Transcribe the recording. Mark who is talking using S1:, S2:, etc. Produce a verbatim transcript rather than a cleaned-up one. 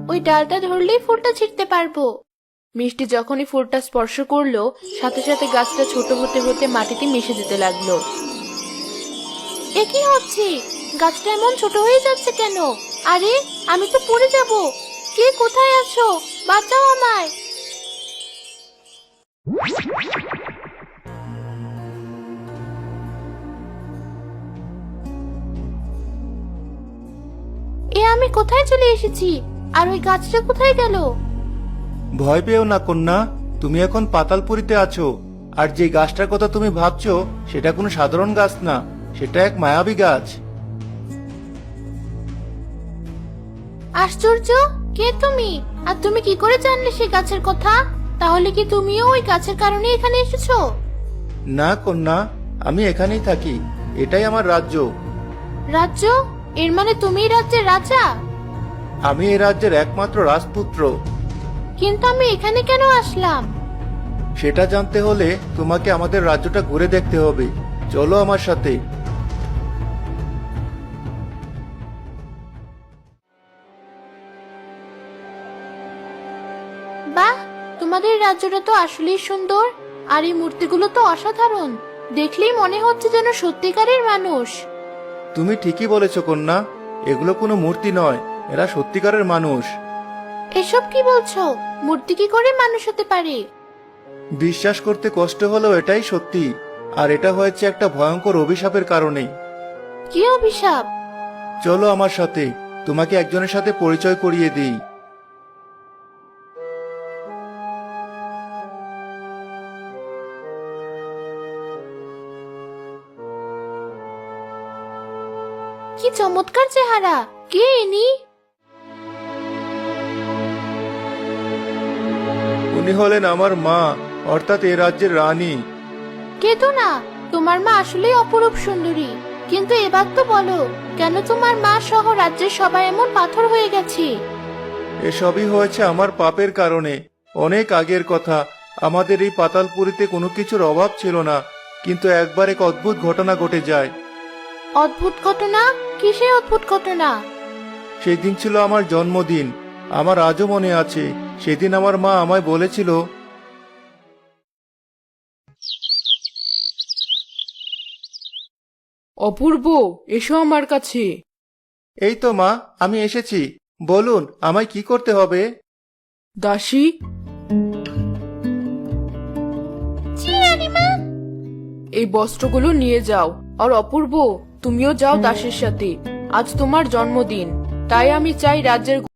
S1: ওই ডালটা ধরলেই ফুলটা ছিঁড়তে পারবো। মিষ্টি যখনই ফুলটা স্পর্শ করলো, সাথে সাথে গাছটা ছোট হতে হতে মাটিতে মিশে যেতে লাগলো। এ কি হচ্ছে? গাছটা এমন ছোট হয়ে যাচ্ছে কেন? আরে, আমি তো পড়ে যাব। কে কোথায় আছো? বাঁচাও আমায়। এ আমি কোথায় চলে এসেছি? আর ওই গাছটা কোথায় গেল?
S2: ভয় পেও না কন্যা, তুমি এখন পাতালপুরীতে আছো। আর যে গাছটার কথা তুমি ভাবছো সেটা কোনো সাধারণ গাছ না, সেটা এক মায়াবী গাছ।
S1: আশ্চর্য! কে তুমি? আর তুমি কি করে জানলে সেই গাছের কথা? তাহলে কি তুমিও ওই গাছের কারণে এখানে এসেছো?
S2: না কন্যা, আমি এখানেই থাকি, এটাই আমার রাজ্য।
S1: রাজ্য? এর মানে তুমি এই রাজ্যের রাজা?
S2: আমি এই রাজ্যের একমাত্র রাজপুত্র।
S1: কিন্তু আমি এখানে কেন আসলাম?
S2: সেটা জানতে হলে তোমাকে আমাদের রাজ্যটা ঘুরে দেখতে হবে। চলো আমার সাথে।
S1: বাহ, তোমাদের রাজ্যটা তো আসলেই সুন্দর। আর এই মূর্তিগুলো তো অসাধারণ। দেখলেই মনে হচ্ছে যেন সত্যিকারের মানুষ।
S2: তুমি ঠিকই বলেছো কন্যা, এগুলো কোনো মূর্তি নয়, এরা সত্যিকারের মানুষ।
S1: এসব কি বলছো? মূর্তি কি করে মানুষ হতে পারে?
S2: বিশ্বাস করতে কষ্ট হলেও এটাই সত্যি। আর এটা হয়েছে একটা ভয়ঙ্কর অভিশাপের কারণে।
S1: কি অভিশাপ?
S2: চলো আমার সাথে, তোমাকে একজনের সাথে পরিচয় করিয়ে দিই।
S1: কি চমৎকার চেহারা! কে ইনি?
S2: উনি হলেন আমার মা, অর্থাৎ এ রাজ্যের রানী।
S1: কে তো না, তোমার মা আসলেই অপরূপ সুন্দরী। কিন্তু এবার তো বলো, কেন তোমার মা সহ রাজ্যের সবাই এমন পাথর হয়ে গেছে?
S2: এসবই হয়েছে আমার পাপের কারণে। অনেক আগের কথা, আমাদের এই পাতালপুরীতে কোনো কিছুর অভাব ছিল না, কিন্তু একবার এক অদ্ভুত ঘটনা ঘটে যায়।
S1: অদ্ভুত ঘটনা? কিসের অদ্ভুত ঘটনা?
S2: সেই দিন ছিল আমার জন্মদিন। আমার আজও মনে আছে, সেদিন আমার মা আমায় বলেছিল,
S3: অপূর্ব, এসো আমার কাছে।
S2: এই তো মা, আমি এসেছি। বলুন, আমায় কি করতে হবে?
S3: দাসী, এই বস্ত্রগুলো নিয়ে যাও। আর অপূর্ব, তুমিও যাও দাসের সাথে। আজ তোমার জন্মদিন, তাই আমি চাই রাজ্যের